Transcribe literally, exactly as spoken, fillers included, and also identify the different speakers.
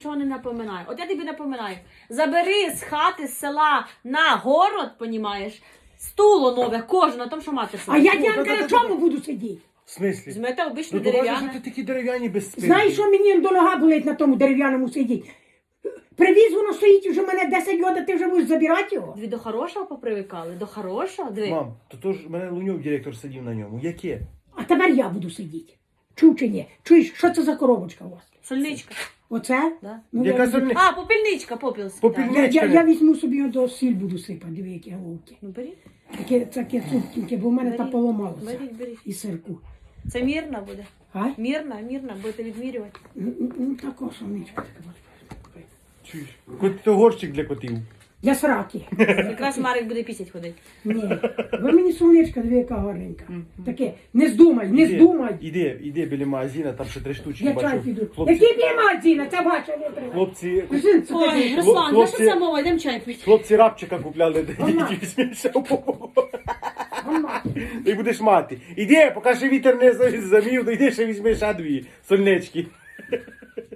Speaker 1: Чого не напоминаю? От я тобі напоминаю. Забери з хати, з села на город, понімаєш, стуло нове, кожен на тому, що мати
Speaker 2: А
Speaker 1: сидить.
Speaker 2: я, Діанка, на чому буду сидіти?
Speaker 3: В смислі?
Speaker 1: Змете обичне
Speaker 3: Ну, то бачиш,
Speaker 1: дерев'яне.
Speaker 3: що ти такі дерев'яні без спинки.
Speaker 2: Знаєш, що мені до нога болить на тому дерев'яному сидіти? Привіз, воно стоїть уже мене десять років, ти вже будеш забирати його?
Speaker 1: Дві до хорошого попривикали, до хорошого, диви.
Speaker 3: Мам, то то ж мене Луньов директор сидів на ньому. Яке?
Speaker 2: А тепер я буду сидіти. Чув чи ні? Чуєш, що це за коробочка у вас?
Speaker 1: Сольничка.
Speaker 2: Оце?
Speaker 1: Да.
Speaker 2: Ну,
Speaker 3: Яка
Speaker 2: я,
Speaker 3: сольни-
Speaker 1: А, попільничка, попілська.
Speaker 3: Попільни-
Speaker 1: Да.
Speaker 2: я, я, я візьму собі до сіль буду сипати, диви, які головки.
Speaker 1: Ну беріть,
Speaker 2: Таке, таке цупкіньке, бо в мене та
Speaker 1: беріть,
Speaker 2: поламалося.
Speaker 1: беріть, беріть.
Speaker 2: І сирку.
Speaker 1: Це мірна буде.
Speaker 2: А?
Speaker 1: Мірна, мірна, будете відмірювати.
Speaker 2: Ну, ну, ну тако сонечко таке.
Speaker 3: Чуєш? Кот, то горщик для котів.
Speaker 2: Для сраки.
Speaker 1: Якраз Марик буде пісять ходити.
Speaker 2: Ні. Ви мені сонечко, диви, яка гарненька. Таке, не здумай, не
Speaker 3: Іди,
Speaker 2: здумай.
Speaker 3: Іди, іди біля магазина, там ще три штучки
Speaker 2: Я чай
Speaker 3: бачу.
Speaker 2: піду.
Speaker 3: Хлопці,
Speaker 2: Який бімазіна, це бачу, не треба.
Speaker 3: хлопці,
Speaker 2: Син, це
Speaker 1: Ой,
Speaker 2: таке.
Speaker 1: Руслан, за
Speaker 3: хлопці-
Speaker 1: що це мова? Йдемо чай пити.
Speaker 3: хлопці рапчика купляли,
Speaker 2: Мама.
Speaker 3: тільки візьмеш.
Speaker 2: Мама.
Speaker 3: Ти будеш мати. Іди, поки ще вітер не за- замів, то йди ще візьмеш а дві сольнички.